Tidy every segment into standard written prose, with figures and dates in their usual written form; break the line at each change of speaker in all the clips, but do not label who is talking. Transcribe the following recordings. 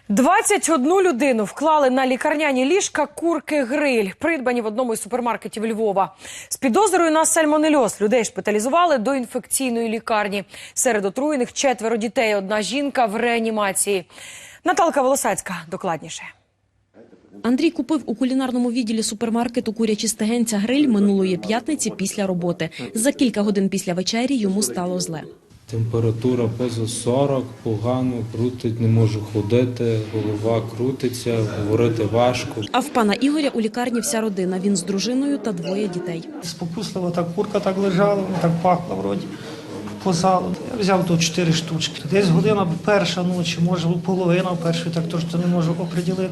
21 людину вклали на лікарняні ліжка курки-гриль, придбані в одному із супермаркетів Львова. З підозрою на сальмонельоз людей шпиталізували до інфекційної лікарні. Серед отруєних 4 дітей, 1 жінка в реанімації. Наталка Волосацька докладніше.
Андрій купив у кулінарному відділі супермаркету курячі стегенця гриль минулої п'ятниці після роботи. За кілька годин після вечері йому стало зле.
Температура поза 40, погано, крутить, не можу ходити, голова крутиться, говорити важко.
А в пана Ігоря у лікарні вся родина. Він з дружиною та 2 дітей.
Спокусливо так курка так лежала, вона так пахла вроді по залу. Я взяв тут 4 штучки. Десь година перша ночі, може половина першої, так точно не можу оприділити.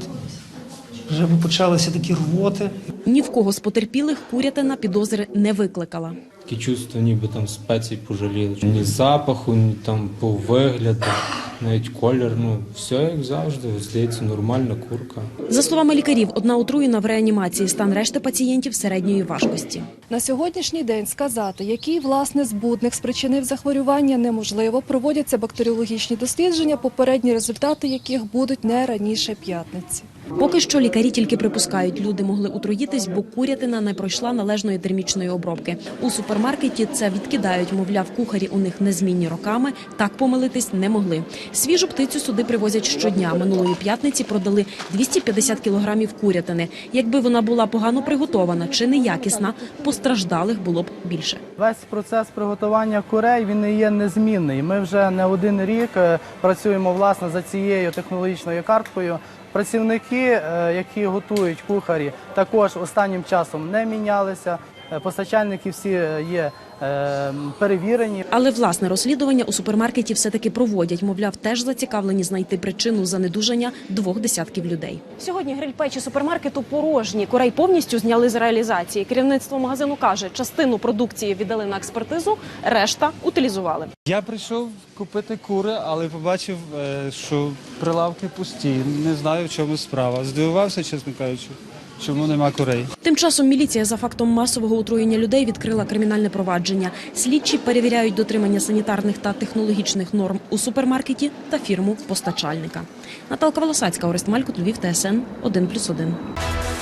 Вже почалися такі рвоти.
Ні в кого з потерпілих курятина підозри не викликала.
Таке чувство, ніби там спецій пожаліли. Ні запаху, ні там по вигляду, навіть колір, все як завжди, здається, нормальна курка.
За словами лікарів, 1 отруєна в реанімації, стан решти пацієнтів середньої важкості.
На сьогоднішній день сказати, який, власне, збудник спричинив захворювання, неможливо. Проводяться бактеріологічні дослідження, попередні результати яких будуть не раніше п'ятниці.
Поки що лікарі тільки припускають, люди могли отруїтись, бо курятина не пройшла належної термічної обробки. У супермаркеті це відкидають, мовляв, кухарі у них незмінні роками, так помилитись не могли. Свіжу птицю сюди привозять щодня. Минулої п'ятниці продали 250 кілограмів курятини. Якби вона була погано приготована чи неякісна, постраждалих було б більше.
Весь процес приготування курей, він не є незмінний. Ми вже не 1 рік працюємо, власне, за цією технологічною карткою. Працівники, які готують, кухарі, також останнім часом не мінялися. Постачальники всі є перевірені.
Але власне розслідування у супермаркеті все-таки проводять. Мовляв, теж зацікавлені знайти причину занедужання 2 десятків людей. Сьогодні гриль-печі супермаркету порожні. Курей повністю зняли з реалізації. Керівництво магазину каже, частину продукції віддали на експертизу, решта утилізували.
Я прийшов купити кури, але побачив, що прилавки пусті. Не знаю, в чому справа. Здивувався, чесно кажучи. Чому нема курей?
Тим часом міліція за фактом масового отруєння людей відкрила кримінальне провадження. Слідчі перевіряють дотримання санітарних та технологічних норм у супермаркеті та фірму постачальника. Наталка Волосацька, Орест Малькут, Львів, ТСН 1+1.